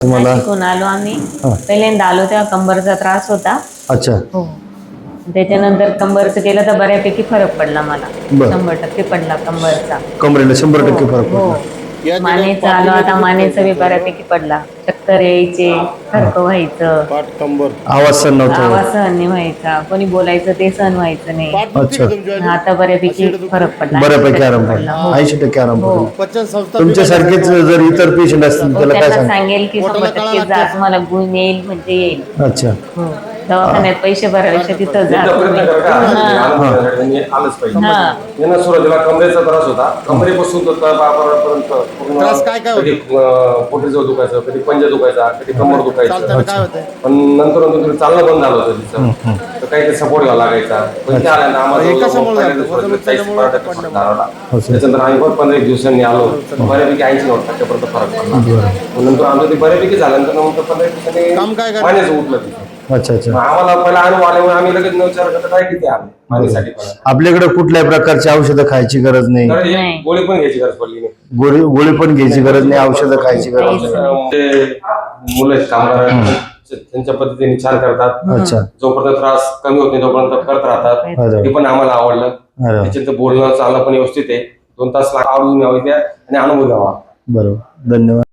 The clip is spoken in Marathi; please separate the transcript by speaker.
Speaker 1: तुम्हाला
Speaker 2: नाशिकहून आलो आम्ही.
Speaker 1: हा.
Speaker 2: पहिल्यांदा आलो तेव्हा कंबरचा त्रास होता.
Speaker 1: अच्छा.
Speaker 2: हो. त्याच्यानंतर कंबरचं केलं तर बऱ्यापैकी फरक पडला मला.
Speaker 1: बरं.
Speaker 2: 100% पडला कंबरचा.
Speaker 1: कमरेला 100% फरक
Speaker 2: हो.
Speaker 1: पडला.
Speaker 2: मानेचा आलो आता, मानेचा बी बऱ्यापैकी पडला. चक्कर यायचे, खरकं व्हायचं,
Speaker 1: आवाज सहन नव्हता
Speaker 2: आवाज
Speaker 1: होत.
Speaker 2: सहन नाही व्हायचा, कोणी बोलायचं ते सहन व्हायचं नाही.
Speaker 1: अच्छा.
Speaker 2: आता बऱ्यापैकी फरक पडला.
Speaker 1: बऱ्यापैकी आराम
Speaker 2: 80%
Speaker 1: पडला.
Speaker 2: हो.
Speaker 1: 80% आराम
Speaker 2: हो.
Speaker 1: पडला. तुमच्यासारखेच जर इतर पेशंट असतील त्याला काय
Speaker 2: त्यांना
Speaker 1: सांग?
Speaker 2: सांगेल की 100% जा, तुम्हाला गुण येईल म्हणजे येईल.
Speaker 1: अच्छा.
Speaker 2: हो. दवाखान्यात पैसे भरायचे तिथं जा तुम्ही.
Speaker 3: सुरुवातीला कमरेचा त्रास होता. कमरेपासून तर तळपायापर्यंत पूर्ण कधी पोटीजवळ दुखायचं, कधी पंजा दुखायचा, कधी कंबर दुखायचं. पण नंतर चालणं बंद झालं होतं तिचं. तर काही सपोर्ट घ्यावा लागायचा. पण ते आल्यानं आम्हाला त्याच्यानंतर आम्ही पण 15 दिवसांनी आलो. बऱ्यापैकी 80-90% फरक पडला. नंतर आमचं ते बऱ्यापैकी झाल्यानंतर 15 दिवसांनी मानेचं उठलं तिथं.
Speaker 1: अच्छा. अच्छा.
Speaker 3: आम्हाला पहिला अनुभव आल्यामुळे आम्ही लगेच न विचार करता काय किती आले मानेसाठी पण.
Speaker 1: आपल्याकडे कुठल्याही प्रकारची औषधं खायची गरज नाही.
Speaker 2: नाही.
Speaker 3: गोळी पण घ्यायची गरज पडली नाही.
Speaker 1: गोळी पण घ्यायची गरज नाही, औषधं खायची गरज नाही.
Speaker 3: मुलं कामगार त्यांच्या पद्धतीने छान करतात.
Speaker 1: अच्छा.
Speaker 3: जोपर्यंत त्रास कमी होत नाही तोपर्यंत करत राहतात. ते पण आम्हाला आवडलं. त्याच्यानंतर बोलणं चालणं पण व्यवस्थित आहे. 2 तास आवडून यावं द्या आणि अनुभव द्यावा.
Speaker 1: बरोबर. धन्यवाद.